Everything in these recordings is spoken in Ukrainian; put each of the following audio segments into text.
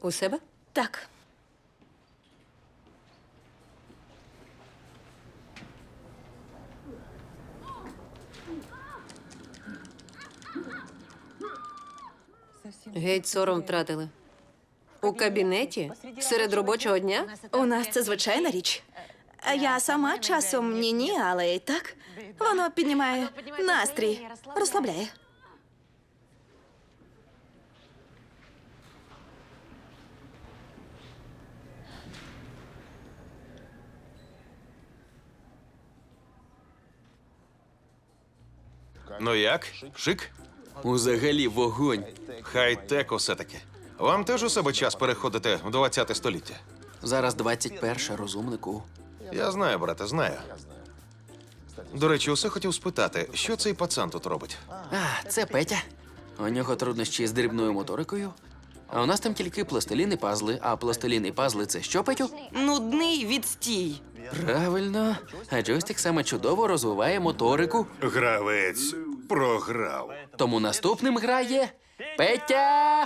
У себе? Так. Геть сором втратили. У кабінеті? Серед робочого дня? У нас це звичайна річ. А я сама часом ні-ні, але і так. Воно піднімає настрій, розслабляє. Ну як? Шик? Узагалі вогонь. Хай-тек усе-таки. Вам теж у себе час переходити в 20-те століття? Зараз 21, розумнику. Я знаю, брате, знаю. До речі, усе хотів спитати, що цей пацан тут робить? А, це Петя. У нього труднощі з дрібною моторикою. А у нас там тільки пластилін і пазли. А пластилін і пазли – це що, Петю? Нудний відстій. Правильно. А джойстик саме чудово розвиває моторику. Гравець програв. Тому наступним грає Петя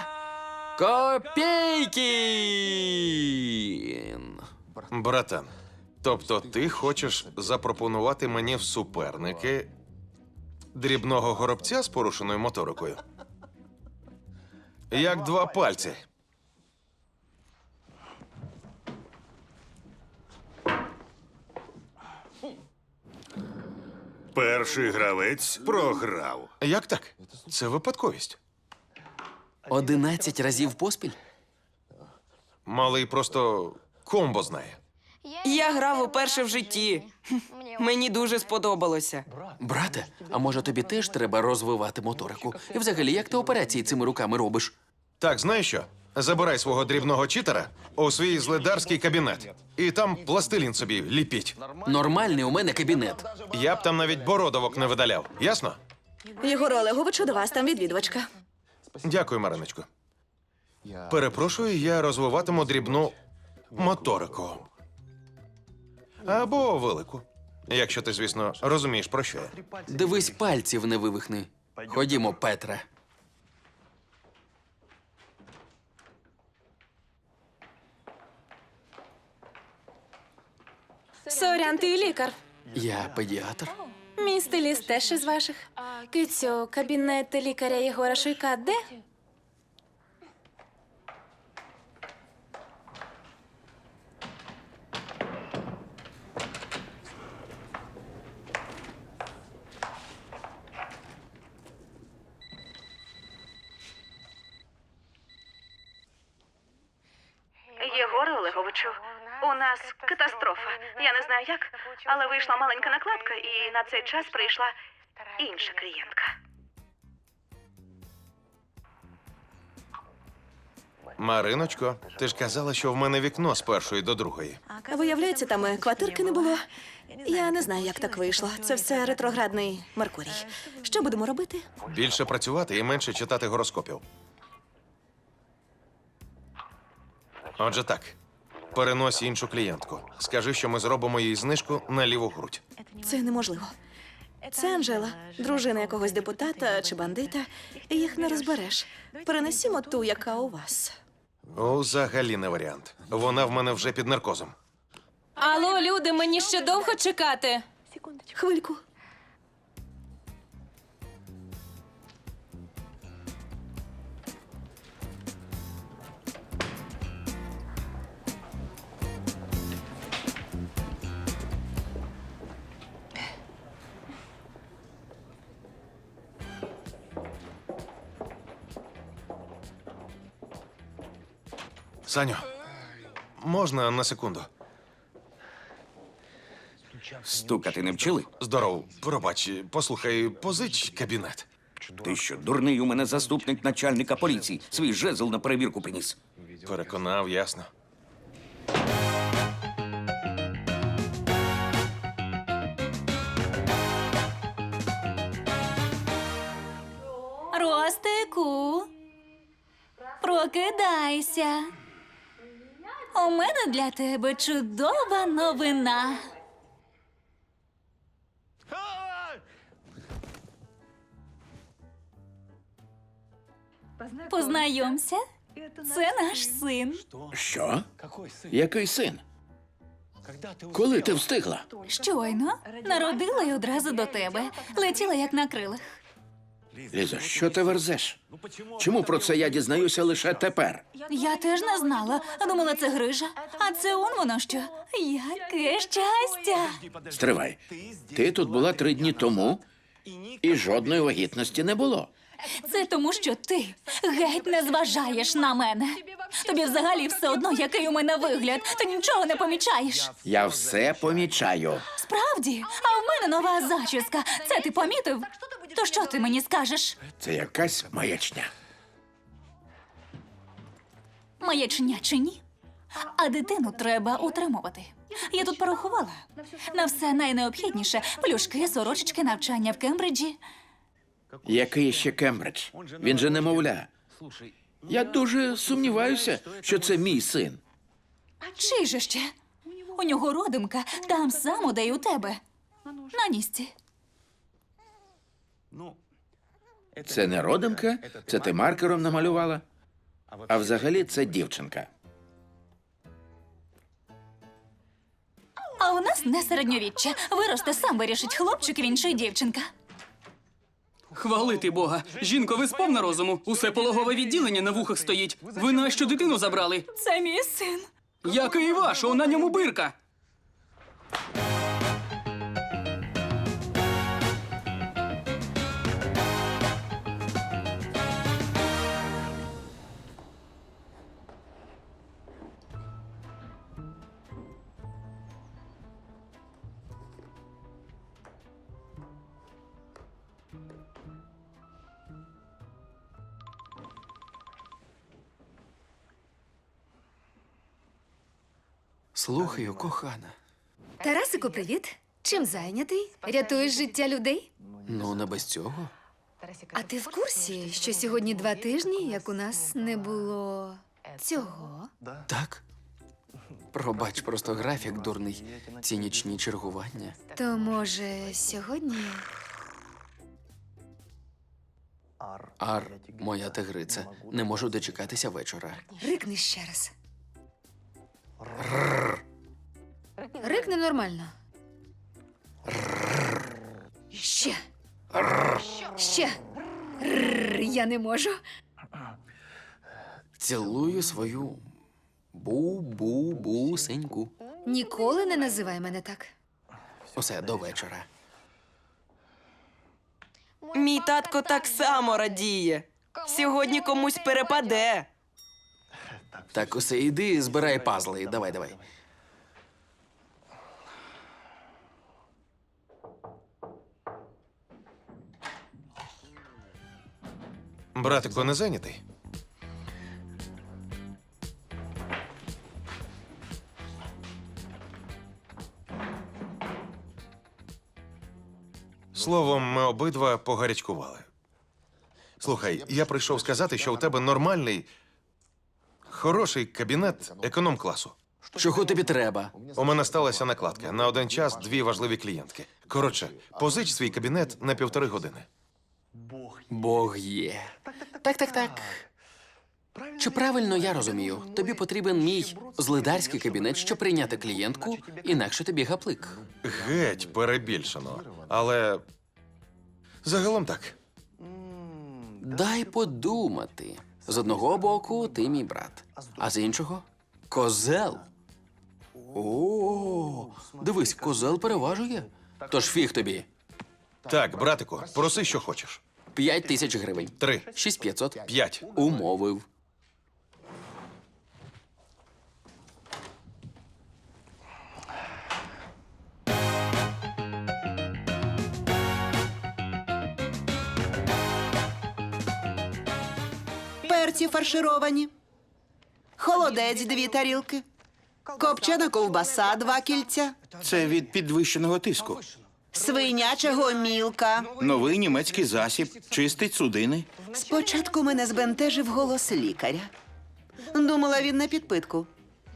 Копійкін. Братан, тобто ти хочеш запропонувати мені в суперники дрібного горобця з порушеною моторикою? Як два пальці. Перший гравець програв. Як так? Це випадковість. 11 разів поспіль? Малий просто комбо знає. Я грав уперше в житті. Мені дуже сподобалося. Брате, а може тобі теж треба розвивати моторику? І взагалі, як ти операції цими руками робиш? Так, знаєш що? Забирай свого дрібного читера у свій зледарський кабінет. І там пластилін собі ліпіть. Нормальний у мене кабінет. Я б там навіть бородовок не видаляв. Ясно? Єгор Олеговичу, до вас там відвідувачка. Дякую, Мариночко. Перепрошую, я розвиватиму дрібну моторику. Або велику. Якщо ти, звісно, розумієш, про що я. Дивись, пальців не вивихни. Ходімо, Петре. Сорян, ти лікар. Я педіатр. Мій стиліст теж із ваших. Кицю, кабінет лікаря Єгора Шуйка де? Єгоре Олеговичу, у нас катастрофа. Я не знаю як, але вийшла маленька накладка, і на цей час прийшла інша клієнтка. Мариночко, ти ж казала, що в мене вікно з першої до другої. Виявляється, там квартирки не було. Я не знаю, як так вийшло. Це все ретроградний Меркурій. Що будемо робити? Більше працювати і менше читати гороскопів. Отже так, перенось іншу клієнтку. Скажи, що ми зробимо їй знижку на ліву грудь. Це неможливо. Це Анжела, дружина якогось депутата чи бандита. Їх не розбереш. Перенесімо ту, яка у вас. Взагалі не варіант. Вона в мене вже під наркозом. Алло, люди, мені ще довго чекати. Хвильку. Саню, можна на секунду? Стукати не вчили? Здоров, пробач, послухай, позич кабінет. Ти що, дурний, у мене заступник начальника поліції. Свій жезл на перевірку приніс. Переконав, ясно. Ростику, прокидайся. У мене для тебе чудова новина. Познайомся, Це наш син. Що? Який син? Коли ти встигла? Щойно народила й одразу до тебе. Летіла як на крилах. Лізо, що ти верзеш? Чому про це я дізнаюся лише тепер? Я теж не знала. Думала, це грижа. А це он воно що. Яке щастя! Стривай. Ти тут була 3 дні тому, і жодної вагітності не було. Це тому, що ти геть не зважаєш на мене. Тобі взагалі все одно, який у мене вигляд. Ти нічого не помічаєш. Я все помічаю. Справді? А в мене нова зачіска. Це ти помітив? То що ти мені скажеш? Це якась маячня. Маячня чи ні? А дитину треба утримувати. Я тут порахувала. На все найнеобхідніше – плюшки, сорочечки, навчання в Кембриджі. Який ще Кембридж? Він же немовля. Я дуже сумніваюся, що це мій син. Чий же ще? У нього родимка там само, де й у тебе. На нісці. Це не родимка, це ти маркером намалювала. А взагалі це дівчинка. А у нас не середньовіччя. Виросте, сам вирішить, хлопчик він чи дівчинка. Хвалити Бога. Жінко, ви сповна розуму. Усе пологове відділення на вухах стоїть. Ви нащо дитину забрали? Це мій син. Який ваш? На ньому бирка. Слухаю, кохана. Тарасику, привіт. Чим зайнятий? Рятуєш життя людей? Ну, не без цього. А ти в курсі, що сьогодні 2 тижні, як у нас не було цього? Так? Пробач, просто графік дурний. Ці нічні чергування. То може сьогодні? Ар, моя тигриця, не можу дочекатися вечора. Рикни ще раз. Рикни нормально. Ще. Ще. Я не можу. Цілую свою бу-бу-бусеньку. Ніколи не називай мене так. Усе, до вечора. Мій татко так само радіє. Сьогодні комусь перепаде. Так, усе, іди, збирай пазли. Давай, давай. Братику, не зайнятий? Словом, ми обидва погарячкували. Слухай, я прийшов сказати, що у тебе нормальний, хороший кабінет економ-класу. Чого тобі треба? У мене сталася накладка. На один час 2 важливі клієнтки. Коротше, позич свій кабінет на 1,5 години. Бог є. Так. Чи правильно я розумію? Тобі потрібен мій злидарський кабінет, щоб прийняти клієнтку, інакше тобі гаплик. Геть перебільшено. Але загалом так. Дай подумати. З одного боку, ти мій брат, а з іншого козел. О, дивись, козел переважує. Тож фіг тобі. Так, братику, проси, що хочеш. 5000 гривень. 3, 6500. 5. Умовив. Перці фаршировані, холодець 2 тарілки, копчена ковбаса 2 кільця, Це від підвищеного тиску. свиняча гомілка. Новий німецький засіб чистить судини. Спочатку мене збентежив голос лікаря. Думала, він на підпитку.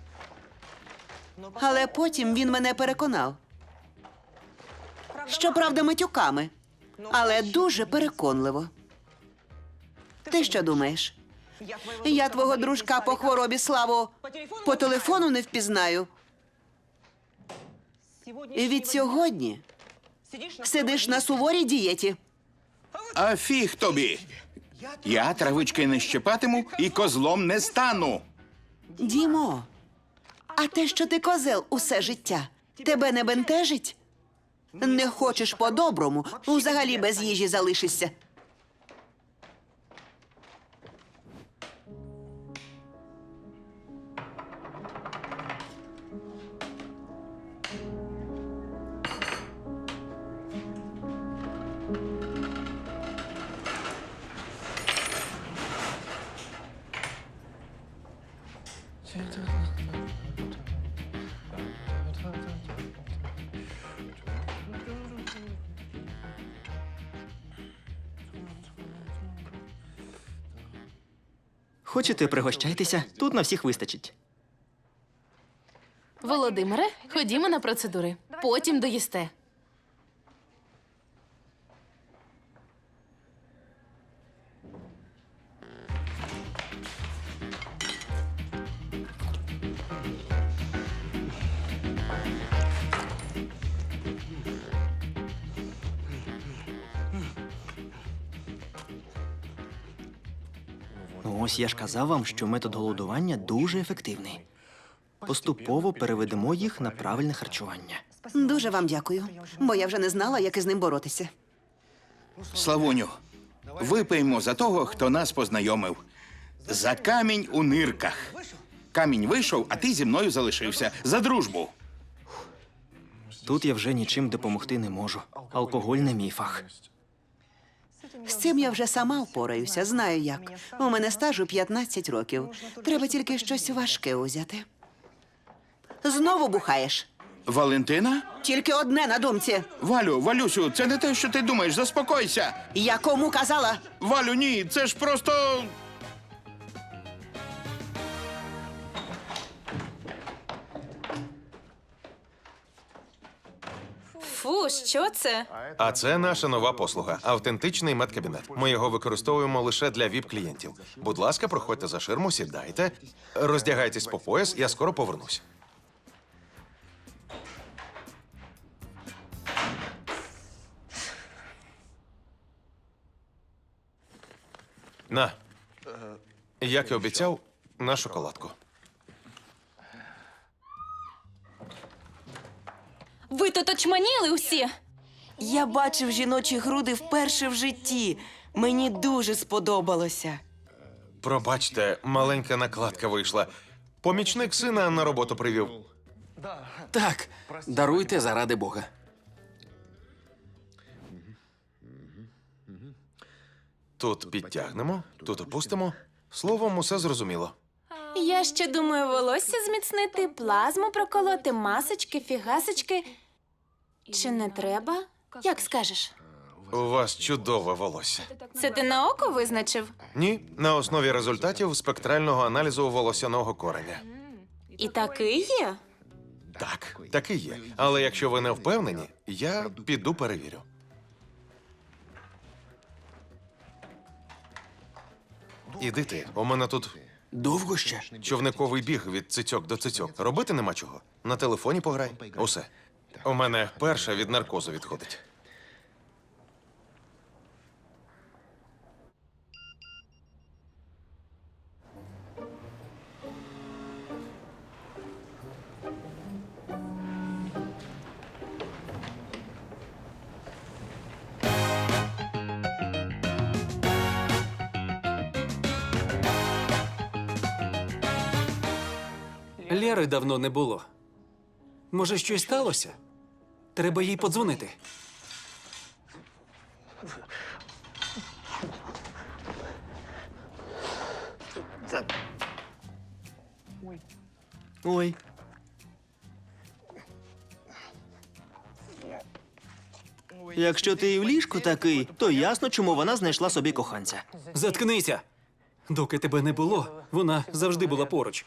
Але потім він мене переконав. Щоправда, матюками, але дуже переконливо. Ти що думаєш? Я твого дружка по хворобі, Славу, по телефону не впізнаю. І від сьогодні сидиш на суворій дієті. А фіг тобі. Я травички не щепатиму і козлом не стану. Дімо, а те, що ти козел усе життя, тебе не бентежить? Не хочеш по-доброму, взагалі без їжі залишишся. Хочете, пригощайтеся, тут на всіх вистачить. Володимире, ходімо на процедури. Потім доїсте. Ну ось я ж казав вам, що метод голодування дуже ефективний. Поступово переведемо їх на правильне харчування. Дуже вам дякую, бо я вже не знала, як із ним боротися. Славуню, випиймо за того, хто нас познайомив. За камінь у нирках. Камінь вийшов, а ти зі мною залишився. За дружбу. Тут я вже нічим допомогти не можу. Алкоголь не мій фах. З цим я вже сама впораюся, знаю як. У мене стажу 15 років. Треба тільки щось важке узяти. Знову бухаєш? Валентина? Тільки одне на думці. Валюсю, це не те, що ти думаєш. Заспокойся. Я кому казала? Валю, ні, це ж просто... Фу, що це? А це наша нова послуга – автентичний медкабінет. Ми його використовуємо лише для ВІП-клієнтів. Будь ласка, проходьте за ширму, сідайте, роздягайтесь по пояс, я скоро повернусь. На, як і обіцяв, на шоколадку. Ви тут очманіли усі? Я бачив жіночі груди вперше в житті. Мені дуже сподобалося. Пробачте, маленька накладка вийшла. Помічник сина на роботу привів. Так, даруйте заради Бога. Тут підтягнемо, тут опустимо. Словом, усе зрозуміло. Я ще думаю, волосся зміцнити, плазму проколоти, масочки, фігасочки. Чи не треба? Як скажеш? У вас чудове волосся. Це ти на око визначив? Ні, на основі результатів спектрального аналізу волосяного кореня. І такий є? Так, таки є. Але якщо ви не впевнені, я піду перевірю. Іди ти, у мене тут Довго ще? човниковий біг від цицьок до цицьок. Робити нема чого. На телефоні пограй. Усе. У мене перша від наркозу відходить. Лєри давно не було. Може, щось сталося? Треба їй подзвонити. Ой. Якщо ти і в ліжку такий, то ясно, чому вона знайшла собі коханця. Заткнися! Доки тебе не було, вона завжди була поруч.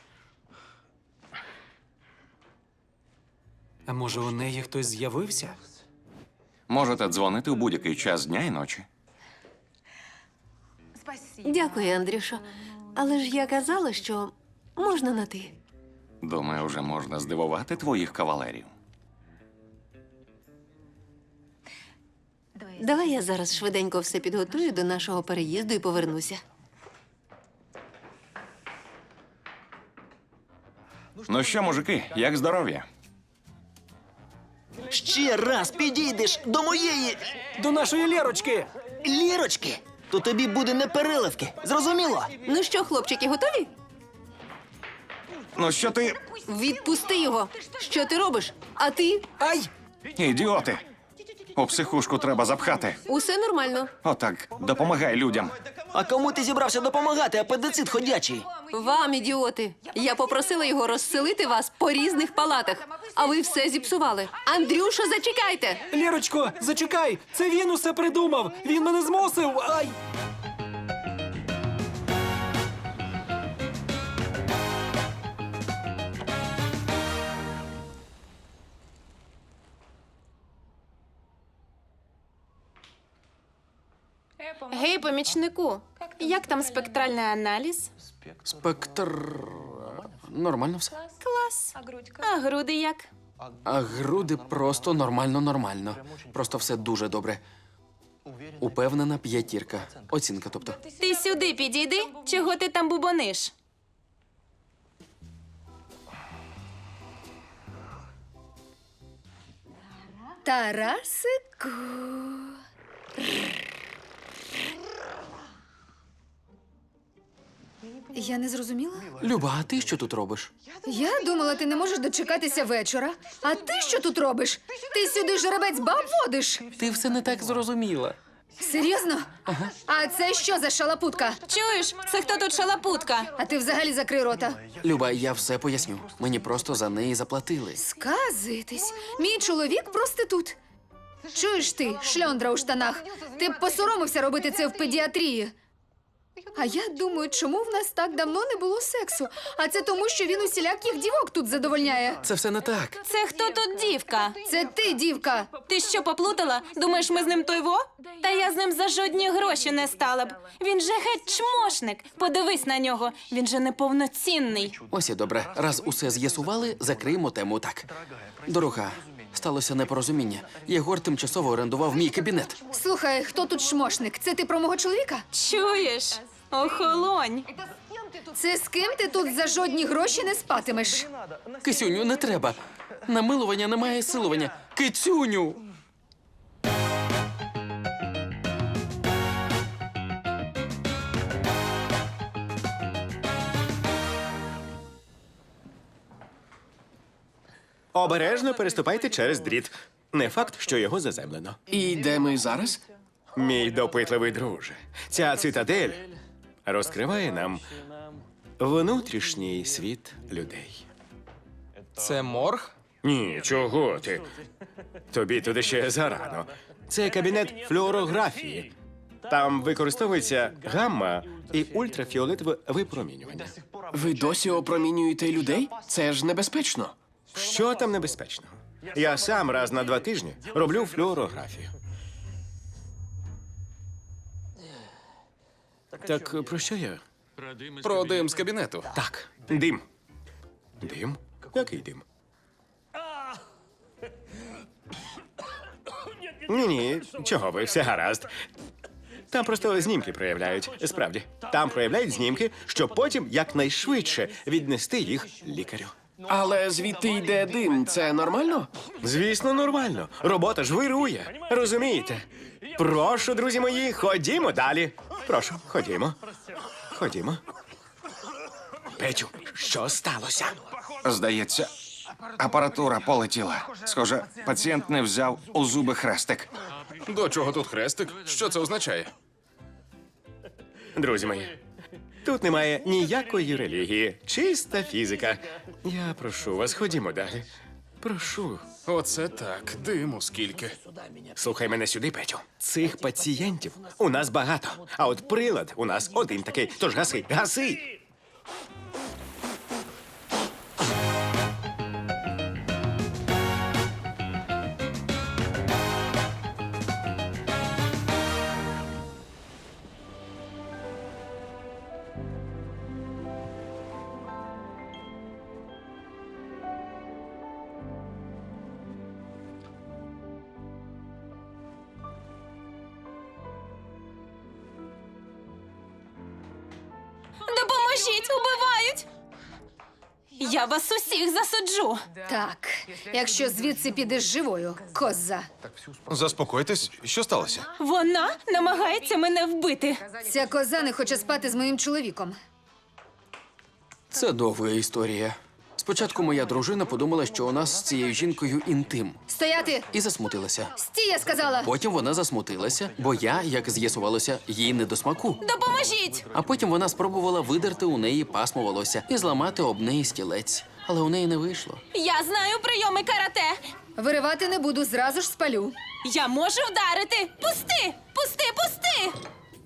А може, у неї хтось з'явився? Можете дзвонити у будь-який час дня і ночі. Дякую, Андрюшо. Але ж я казала, що можна на ти. Думаю, вже можна здивувати твоїх кавалерів. Давай я зараз швиденько все підготую до нашого переїзду і повернуся. Ну що, мужики, як здоров'я? Ще раз підійдеш до моєї До нашої Лєрочки! лірочки, то тобі буде не переливки. Зрозуміло? Ну що, хлопчики, готові? Ну що ти. Відпусти його. Що ти робиш? А ти? Ай! Ідіоти! У психушку треба запхати. Усе нормально. Отак, допомагай людям. А кому ти зібрався допомагати, апендицит ходячий? Вам, ідіоти. Я попросила його розселити вас по різних палатах, а ви все зіпсували. Андрюша, зачекайте! Лєрочко, зачекай! Це він усе придумав! Він мене змусив! Ай! Гей, помічнику, як там спектральний аналіз? Спектр. Нормально все. Клас. А груди як? А груди просто нормально. Просто все дуже добре. Упевнена 5. Оцінка, тобто. Ти сюди підійди, чого ти там бубониш? Тарасику. Я не зрозуміла. Люба, а ти що тут робиш? Я думала, ти не можеш дочекатися вечора. А ти що тут робиш? Ти сюди жеребець баб водиш? Ти все не так зрозуміла. Серйозно? Ага. А це що за шалапутка? Чуєш, це хто тут шалапутка? А ти взагалі закрий рота. Люба, я все поясню. Мені просто за неї заплатили. Сказитись. Мій чоловік проститут. Чуєш ти, шльондра у штанах? Ти б посоромився робити це в педіатрії. А я думаю, чому в нас так давно не було сексу? А це тому, що він усіляких дівок тут задовольняє. Це все не так. Це хто тут дівка? Це ти, дівка. Ти що, поплутала? Думаєш, ми з ним той во? Та я з ним за жодні гроші не стала б. Він же геть чмошник. Подивись на нього. Він же неповноцінний. Ось і добре. Раз усе з'ясували, закриємо тему так. Дорога, сталося непорозуміння. Єгор тимчасово орендував мій кабінет. Слухай, хто тут шмошник? Це ти про мого чоловіка? Чуєш? Охолонь. Це з ким ти тут за жодні гроші не спатимеш? Кисюню, не треба. Намилування немає силування. Кицюню! Обережно переступайте через дріт. Не факт, що його заземлено. І де ми зараз? Мій допитливий друже, ця цитадель розкриває нам внутрішній світ людей. Це морг? Ні, чого ти? Тобі туди ще зарано. Це кабінет флюорографії. Там використовується гамма і ультрафіолетове випромінювання. Ви досі опромінюєте людей? Це ж небезпечно. Що там небезпечного? Я сам раз на 2 тижні роблю флюорографію. Так про що я? Про дим з кабінету. Так, дим. Дим? Який дим? Ні, чого ви, все гаразд. Там просто знімки проявляють. Справді, там проявляють знімки, щоб потім якнайшвидше віднести їх лікарю. Але звідти йде дим. Це нормально? Звісно, нормально. Робота ж вирує. Розумієте? Прошу, друзі мої, ходімо далі. Прошу, ходімо. Ходімо. Петю, що сталося? Здається, апаратура полетіла. Схоже, пацієнт не взяв у зуби хрестик. До чого тут хрестик? Що це означає? Друзі мої, тут немає ніякої релігії, чиста фізика. Я прошу вас, ходімо далі. Прошу. Оце так. Диму скільки. Слухай мене сюди, Петю. Цих пацієнтів у нас багато, а от прилад у нас один такий. Тож гаси, гаси! Убивають! Я вас усіх засуджу! Так, якщо звідси підеш живою, коза. Заспокойтесь, що сталося? Вона намагається мене вбити. Ця коза не хоче спати з моїм чоловіком. Це довга історія. Спочатку моя дружина подумала, що у нас з цією жінкою інтим, Стояти! і засмутилася. Стій, я сказала! Потім вона засмутилася, бо я, як з'ясувалося, їй не до смаку. Допоможіть! А потім вона спробувала видерти у неї пасмо волосся і зламати об неї стілець. Але у неї не вийшло. Я знаю прийоми карате. Виривати не буду, зразу ж спалю. Я можу вдарити. Пусти! Пусти, пусти!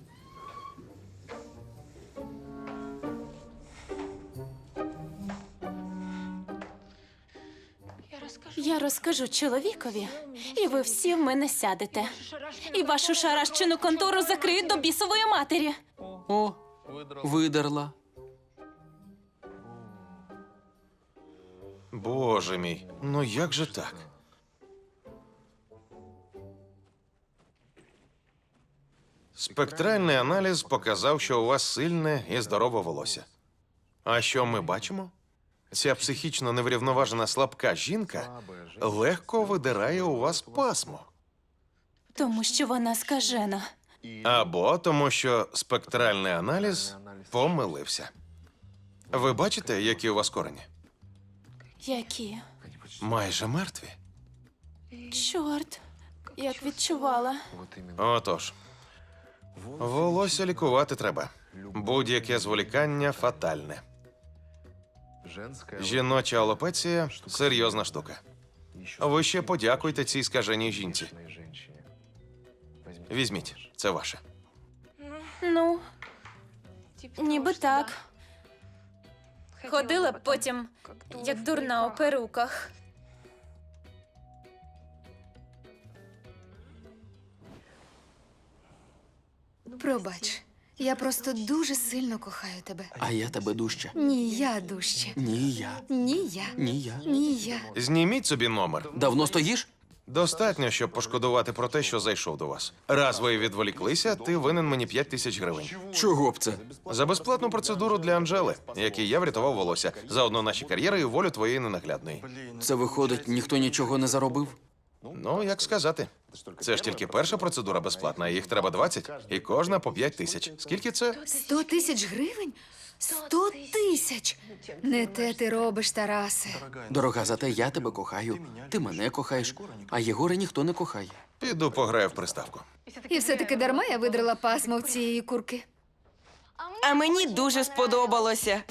Я розкажу чоловікові, і ви всі в мене сядете. І вашу шарашчину контору закриють до бісової матері. О, видерла. Боже мій, ну як же так? Спектральний аналіз показав, що у вас сильне і здорове волосся. А що ми бачимо? Ця психічно неврівноважена слабка жінка легко видирає у вас пасмо. Тому що вона скажена. Або тому, що спектральний аналіз помилився. Ви бачите, які у вас корені? Які? Майже мертві. Чорт, як відчувала. Отож, волосся лікувати треба. Будь-яке зволікання фатальне. Жіноча алопеція – серйозна штука. Ви ще подякуйте цій скаженій жінці. Візьміть, це ваше. Ну, ніби так. Ходила б потім, як дурна у перуках. Пробач, я просто дуже сильно кохаю тебе. А я тебе дужче. Ні, я дужче. Ні, я. Ні, я. Ні, я. Ні, я. Зніміть собі номер. Давно стоїш? Достатньо, щоб пошкодувати про те, що зайшов до вас. Раз ви відволіклися, ти винен мені 5 тисяч гривень. Чого б це? За безплатну процедуру для Анжели, якій я врятував волосся. Заодно наші кар'єри і волю твоєї ненаглядної. Це виходить, ніхто нічого не заробив? Ну, як сказати. Це ж тільки перша процедура безплатна, а їх треба 20, і кожна по 5 тисяч. Скільки це? 100 тисяч гривень? 100 тисяч! Не те ти робиш, Тарасе. Дорога, зате я тебе кохаю. Ти мене кохаєш, а Єгора ніхто не кохає. Піду пограю в приставку. І все-таки дарма я видрила пасмо в цієї курки. А мені дуже сподобалося.